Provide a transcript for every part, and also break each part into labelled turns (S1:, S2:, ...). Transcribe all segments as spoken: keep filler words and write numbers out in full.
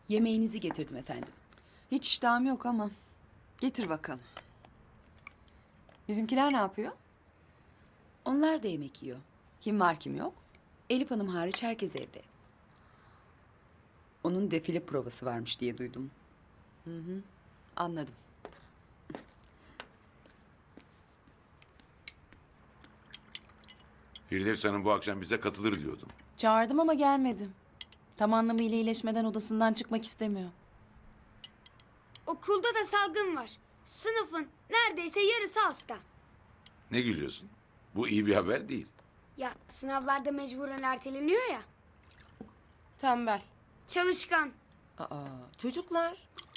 S1: Yemeğinizi getirdim efendim.
S2: Hiç iştahım yok ama. Getir bakalım. Bizimkiler ne yapıyor?
S1: Onlar da yemek yiyor.
S2: Kim var kim yok?
S1: Elif Hanım hariç herkes evde. Onun defile provası varmış diye duydum.
S2: Anladım.
S3: Firdevs Hanım bu akşam bize katılır diyordum.
S4: Çağırdım ama gelmedi. Tam anlamıyla iyileşmeden odasından çıkmak istemiyor.
S5: Okulda da salgın var. Sınıfın neredeyse yarısı hasta.
S3: Ne gülüyorsun? Bu iyi bir haber değil.
S5: Ya sınavlarda mecburen erteleniyor ya.
S4: Tembel.
S5: Çalışkan.
S4: Aa, çocuklar.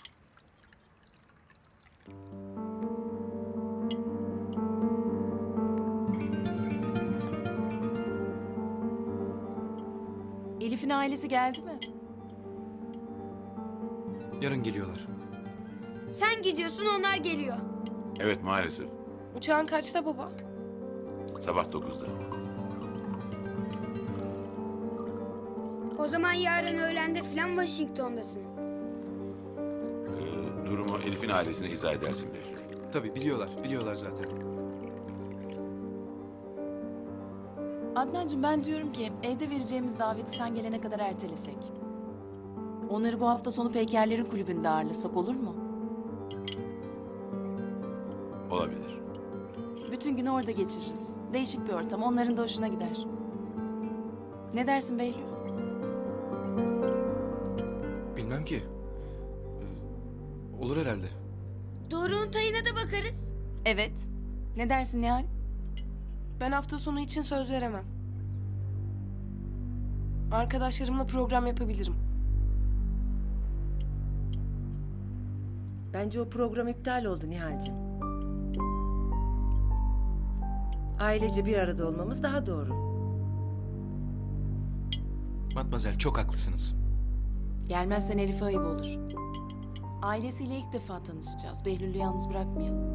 S4: Elif'in ailesi geldi mi?
S6: Yarın geliyorlar.
S5: Sen gidiyorsun onlar geliyor.
S3: Evet maalesef.
S4: Uçağın kaçta baba?
S3: Sabah dokuzda.
S5: O zaman yarın öğlende filan Washington'dasın.
S3: Ee, durumu Elif'in ailesine izah edersin Behlül.
S6: Tabii biliyorlar, biliyorlar zaten.
S4: Adnancığım ben diyorum ki evde vereceğimiz daveti sen gelene kadar ertelesek. Onları bu hafta sonu Peykerlerin kulübünde ağırlasak olur mu?
S3: Olabilir.
S4: Bütün günü orada geçiririz. Değişik bir ortam, onların da hoşuna gider. Ne dersin Behlül?
S6: Bilmem ki. Ee, olur herhalde.
S5: Doruk'un tayına da bakarız.
S4: Evet. Ne dersin Nihal?
S7: Ben hafta sonu için söz veremem. Arkadaşlarımla program yapabilirim.
S8: Bence o program iptal oldu Nihal'cığım. Ailece bir arada olmamız daha doğru.
S6: Matmazel çok haklısınız.
S4: Gelmezsen Elif'e ayıp olur. Ailesiyle ilk defa tanışacağız. Behlül'ü yalnız bırakmayalım.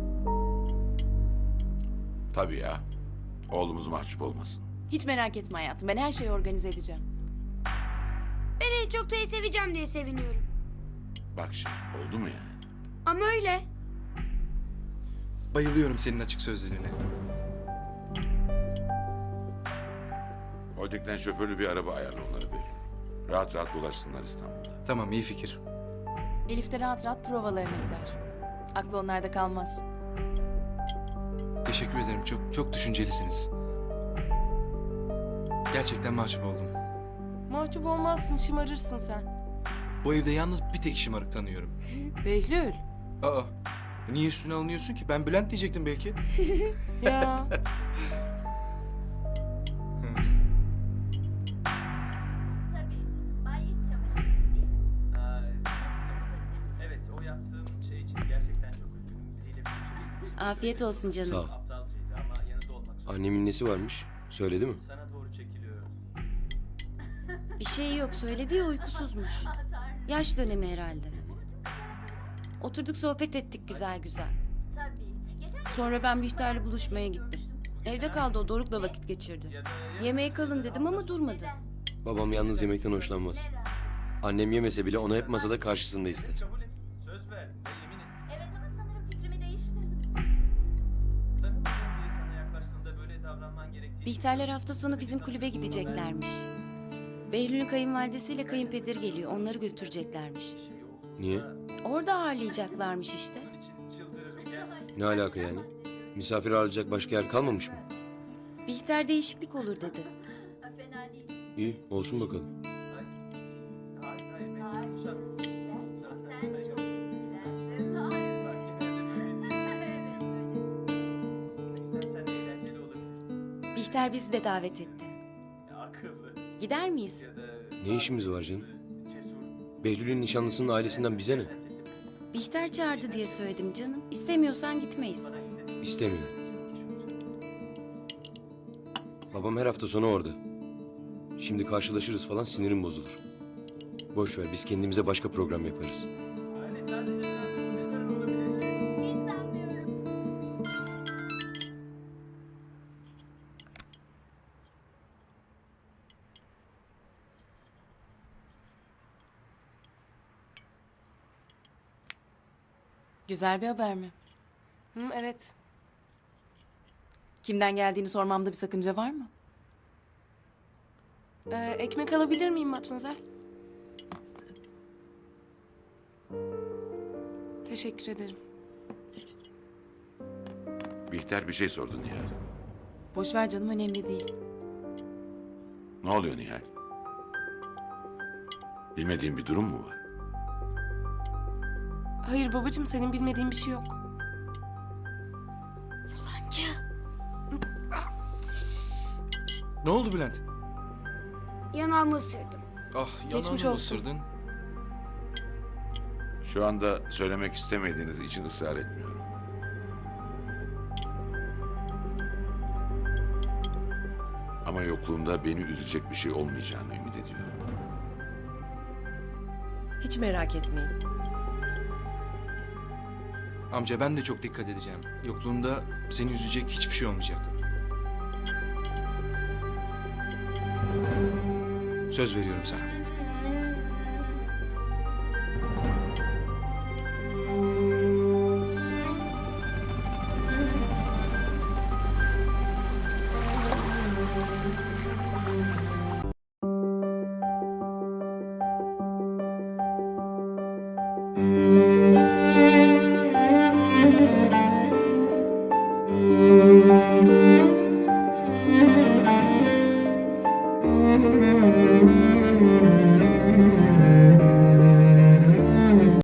S3: Tabii ya. Oğlumuz mahcup olmasın.
S4: Hiç merak etme hayatım. Ben her şeyi organize edeceğim.
S5: Ben en çok tayı seveceğim diye seviniyorum.
S3: Bak şimdi oldu mu yani?
S5: Ama öyle.
S6: Bayılıyorum senin açık sözlülüğüne.
S3: Holding'den şoförlü bir araba ayarla onlara Behlül. Rahat rahat dolaşsınlar İstanbul'da.
S6: Tamam, iyi fikir.
S4: Elif de rahat rahat provalarına gider. Aklı onlarda kalmaz.
S6: Teşekkür ederim. Çok çok düşüncelisiniz. Gerçekten mahcup oldum.
S7: Mahcup olmazsın, şımarırsın sen.
S6: Bu evde yalnız bir tek şımarık tanıyorum.
S7: Behlül.
S6: Aa, niye üstüne alınıyorsun ki? Ben Bülent diyecektim belki.
S7: Ya.
S9: Tabii. Bay iç çamaşırı değil mi?
S10: Ha, evet, o yaptığım şey için gerçekten çok üzgünüm. Biriyle görüşebilmek
S11: Afiyet olsun canım.
S10: Sağ ol. Aptalcaydı ama yanında olmak zorunda.
S12: Annemin nesi varmış? Söyledi mi?
S10: Sana doğru çekiliyor.
S11: Bir şey yok, söyledi ya uykusuzmuş. Yaş dönemi herhalde. Oturduk sohbet ettik güzel güzel.
S9: Tabii. Geçen
S11: Sonra ben Bihter'le buluşmaya gittim. Evde kaldı o, Doruk'la vakit geçirdi.
S10: Ya da
S11: Yemeğe kalın dedim ama durmadı.
S12: Babam yalnız yemekten hoşlanmaz. Annem yemese bile onu hep masada karşısında ister.
S10: kabul et. Söz ver ve yemin et.
S9: evet ama sanırım fikrimi değiştirdim.
S10: Tanımadığın biri sana yaklaştığında böyle davranman gerektiğini...
S11: Bihterler hafta sonu bizim kulübe gideceklermiş. Behlül'ün kayınvalidesiyle kayınpederi geliyor, onları götüreceklermiş.
S12: Niye?
S11: Orada ağırlayacaklarmış işte.
S10: Bunun için çıldırırım gerçekten.
S12: Ne alaka yani? Misafir ağırlayacak başka yer kalmamış mı?
S11: Bihter değişiklik olur dedi.
S9: Fena değil.
S12: İyi, olsun bakalım.
S10: Hayır, hayır, ben seni konuşamam.
S9: Gerçekten çok etkilendim. Hayır.
S10: Bak, genelde böyle
S9: Evet, böylesin.
S10: İstersen eğlenceli olabilir.
S11: Bihter bizi de davet etti.
S10: Ya, akıllı
S11: Gider miyiz?
S10: ya da...
S12: Ne işimiz var canım?
S10: Cesur.
S12: Behlül'ün nişanlısının ailesinden bize ne?
S11: Bihter çağırdı diye söyledim canım. İstemiyorsan gitmeyiz.
S12: İstemiyorum. Babam her hafta sonu orada. Şimdi karşılaşırız falan sinirim bozulur. Boş ver, biz kendimize başka program yaparız.
S10: Aile sadece mezarın olabilir.
S9: Hiç sanmıyorum.
S4: Güzel bir haber mi?
S7: Hı, evet.
S4: Kimden geldiğini sormamda bir sakınca var mı?
S7: Ee, ekmek alabilir miyim Matmazel? Teşekkür ederim.
S3: Bihter bir şey sordu Nihal.
S4: Boş ver canım, önemli değil.
S3: Ne oluyor Nihal? Bilmediğin bir durum mu var?
S7: Hayır babacığım, senin bilmediğin bir şey yok.
S6: Ne oldu Bülent?
S5: Yanağımı ısırdım.
S6: Ah
S7: Geçmiş
S6: yanağını mı
S7: olsun.
S6: ısırdın?
S3: Şu anda söylemek istemediğiniz için ısrar etmiyorum. Ama yokluğumda beni üzecek bir şey olmayacağını ümit ediyorum.
S8: Hiç merak etmeyin.
S6: Amca ben de çok dikkat edeceğim. Yokluğunda seni üzecek hiçbir şey olmayacak. Söz veriyorum sana.
S8: Müzik